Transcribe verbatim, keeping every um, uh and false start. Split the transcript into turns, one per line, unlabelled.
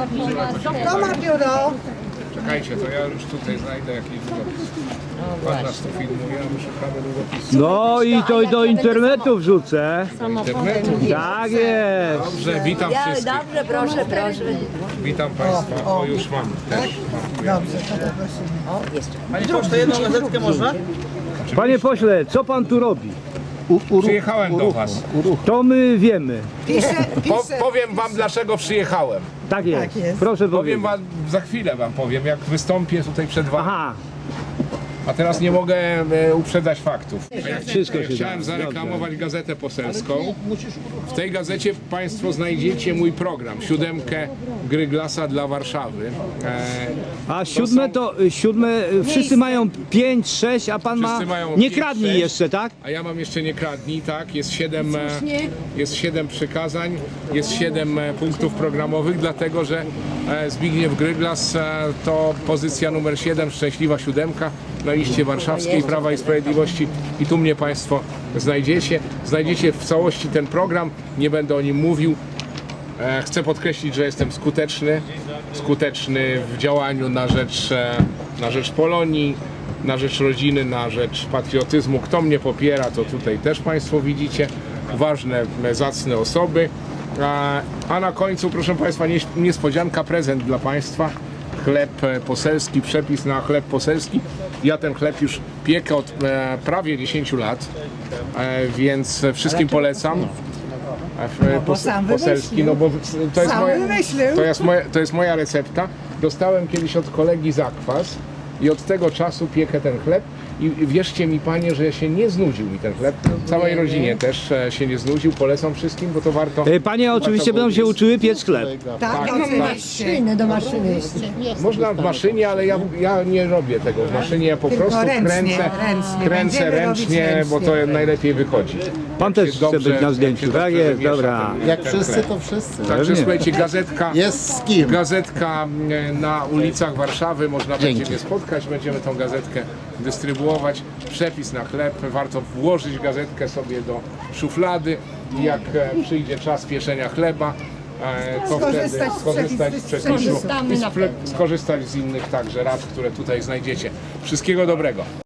To ma biuro.
Czekajcie, to ja już tutaj znajdę jakiś długopis. Pan nas tu filmuje, a my szukamy długopisu.
No i to do internetu wrzucę.
Internetu.
Tak jest.
Dobrze, witam wszystkich.
Dobrze, proszę, proszę.
Witam Państwa. O, już mam też.
Dobrze, to poprosimy.
Panie pocztę, jedną gazetkę można?
Panie pośle, co pan tu robi?
Przyjechałem do Was.
To my wiemy.
Piszę,
Po,
piszę.
powiem Wam, dlaczego przyjechałem.
Tak jest.
Tak jest.
Proszę
Powiem
powiedzieć.
Wam, za chwilę Wam powiem, jak wystąpię tutaj przed Wami.
Aha,
A teraz nie mogę e, uprzedzać faktów. A ja
Wszystko się
chciałem
da.
zareklamować gazetę poselską. W tej gazecie Państwo znajdziecie mój program, siódemkę Gryglasa dla Warszawy. E,
a siódme to y, siódme, y, wszyscy mają pięć, sześć, a pan ma.
Wszyscy mają
Nie
pięć,
kradnij
sześć.
jeszcze, tak?
A ja mam jeszcze nie kradnij, tak? Jest siedem, e, jest siedem przykazań, jest siedem e, punktów programowych, dlatego że e, Zbigniew Gryglas e, to pozycja numer siedem, szczęśliwa siódemka na liście warszawskiej Prawa i Sprawiedliwości i tu mnie Państwo znajdziecie. Znajdziecie w całości ten program, nie będę o nim mówił. E, Chcę podkreślić, że jestem skuteczny, skuteczny w działaniu na rzecz, e, na rzecz Polonii, na rzecz rodziny, na rzecz patriotyzmu. Kto mnie popiera, to tutaj też Państwo widzicie. Ważne, e, zacne osoby. A, a na końcu, proszę Państwa, nieś- niespodzianka, prezent dla Państwa. Chleb e, poselski, przepis na chleb poselski. Ja ten chleb już piekę od e, prawie dziesięciu lat, e, więc wszystkim polecam. E,
bo
pos-
sam
poselski,
wymyślił.
no bo to jest,
Sam
moja,
wymyślił.
to, jest moja, to jest moja recepta. Dostałem kiedyś od kolegi zakwas i od tego czasu piekę ten chleb i wierzcie mi Panie, że się nie znudził mi ten chleb. Całej rodzinie też e, się nie znudził, polecam wszystkim, bo to warto.
Y, Panie oczywiście
warto
będą się
było-
uczyły piec chleb.
Tak,
tak,
oczywiście.
do maszyny jeszcze.
Można w maszynie, ale ja, ja nie robię tego w maszynie, ja po
Tylko
prostu
ręcznie,
kręcę,
ręcznie.
kręcę
Będziemy
ręcznie,
robić
bo to
ręcznie.
najlepiej wychodzi.
Pan też
Się
chce
dobrze-
być na zdjęciu.
się
Tak
dobrze
jest,
wymiesza
dobra.
ten-
Jak
ten
wszyscy,
chleb.
to wszyscy.
Także
Pewnie.
słuchajcie, gazetka,
Jest z kim.
gazetka e, na ulicach Warszawy, można będzie
Dzięki.
mnie spotkać, będziemy tą gazetkę dystrybuować. Przepis na chleb, warto włożyć gazetkę sobie do szuflady i jak e, przyjdzie czas pieczenia chleba, e, to wtedy
Skorzystać z
skorzystać z
przepisu.
przepisu
Skorzystamy
i
na
spre- skorzystać z innych także rad, które tutaj znajdziecie. Wszystkiego dobrego.